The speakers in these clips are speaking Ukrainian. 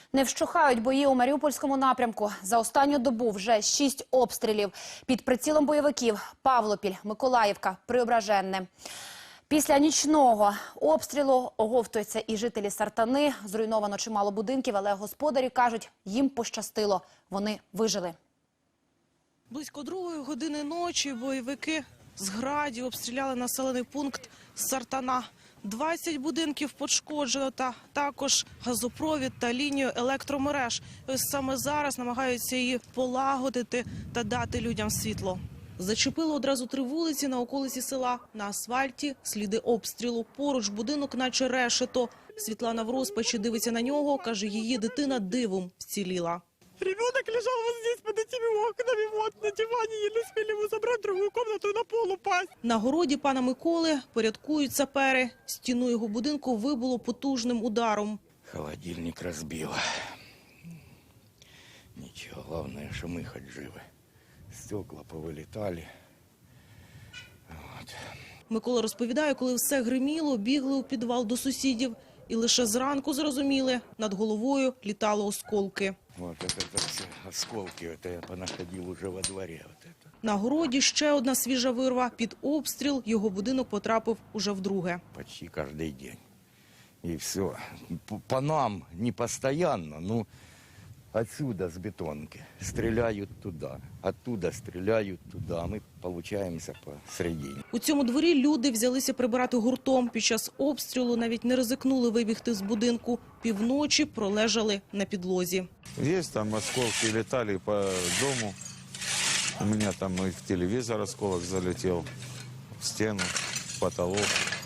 Не вщухають бої у Маріупольському напрямку. За останню добу вже 6 обстрілів. Під прицілом бойовиків – Павлопіль, Миколаївка, Преображенне. Після нічного обстрілу оговтуються і жителі Сартани. Зруйновано чимало будинків, але господарі кажуть, їм пощастило. Вони вижили. Близько 2-ї години ночі бойовики з градів обстріляли населений пункт Сартана. 20 будинків пошкоджено, та також газопровід та лінію електромереж. Ось саме зараз намагаються її полагодити та дати людям світло. Зачепило одразу 3 вулиці на околиці села. На асфальті сліди обстрілу. Поруч будинок наче решето. Світлана в розпачі дивиться на нього, каже, її дитина дивом вціліла. Ребенок лежал вот здесь под этими окнами, вот на диване, еле успели его забрать в другую комнату и на пол упасть. На городі пана Миколи порядкують сапери. Стіну його будинку вибило потужним ударом. Холодильник розбило. Нічого, головне, що ми хоч живі. Стекла повилітали. От. Микола розповідає, коли все гриміло, бігли у підвал до сусідів. І лише зранку зрозуміли, над головою літали осколки. Вот это все осколки, это я понаходил уже во дворе. Вот это. На городі ще одна свіжа вирва. Під обстріл його будинок потрапив уже вдруге. Почти каждый день. И все. По нам не постоянно, ну отсюда с бетонки стреляют туда, оттуда стреляют туда. Мы получаемся посередине. У цьому дворі люди взялися прибирати гуртом. Під час обстрілу навіть не ризикнули вибігти з будинку. Півночі пролежали на підлозі. Есть там осколки, летали по дому. У меня там и в телевизор осколок залетел, в стену, в потолок.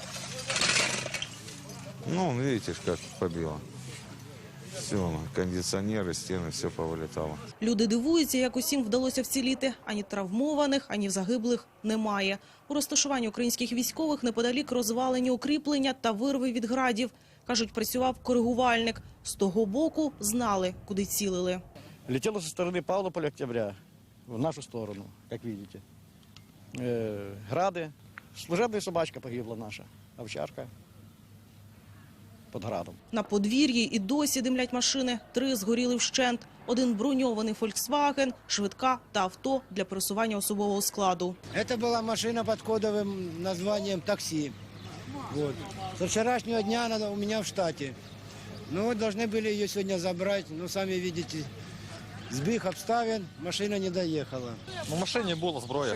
Ну, видите, как побило. Все, кондиционеры, стены, все повылетало. Люди дивуються, як усім вдалося вціліти. Ані травмованих, ані загиблих немає. У розташуванні українських військових неподалік розвалені укріплення та вирви від градів. Кажуть, працював коригувальник. З того боку знали, куди цілили. Летело со стороны Павлополя, Октября, в нашу сторону, как видите. Грады. Служебная собачка погибла наша, овчарка. Під градом. На подвір'ї і досі димлять машини. 3 згоріли вщент. 1 броньований «Фольксваген», швидка та авто для пересування особового складу. Это была машина под кодовым названием «Такси». Вот. Со вчерашнего дня она у меня в штате. Ну вот должны были ее сегодня забрать. Ну, сами видите, сбег обставин, машина не доехала. У машині була зброя.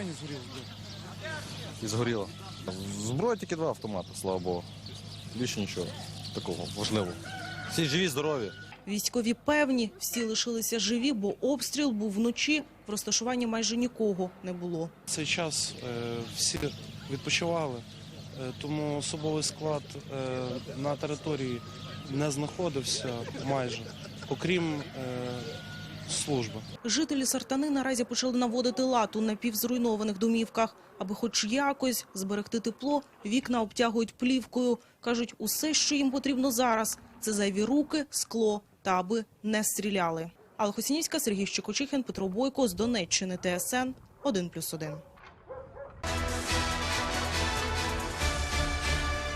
І згоріла. Зброя тільки 2 автомати, слава Богу. Більше нічого такого важливого. Всі живі, здорові. Військові певні, всі лишилися живі, бо обстріл був вночі. В розташуванні майже нікого не було. Цей час всі відпочивали, тому особовий склад на території не знаходився майже, окрім служби. Жителі Сартани наразі почали наводити лад у напівзруйнованих домівках. Аби хоч якось зберегти тепло, вікна обтягують плівкою. Кажуть, усе, що їм потрібно зараз – це зайві руки, скло та аби не стріляли. Алла Хосінівська, Сергій Щекочихин, Петро Бойко з Донеччини, ТСН 1+1.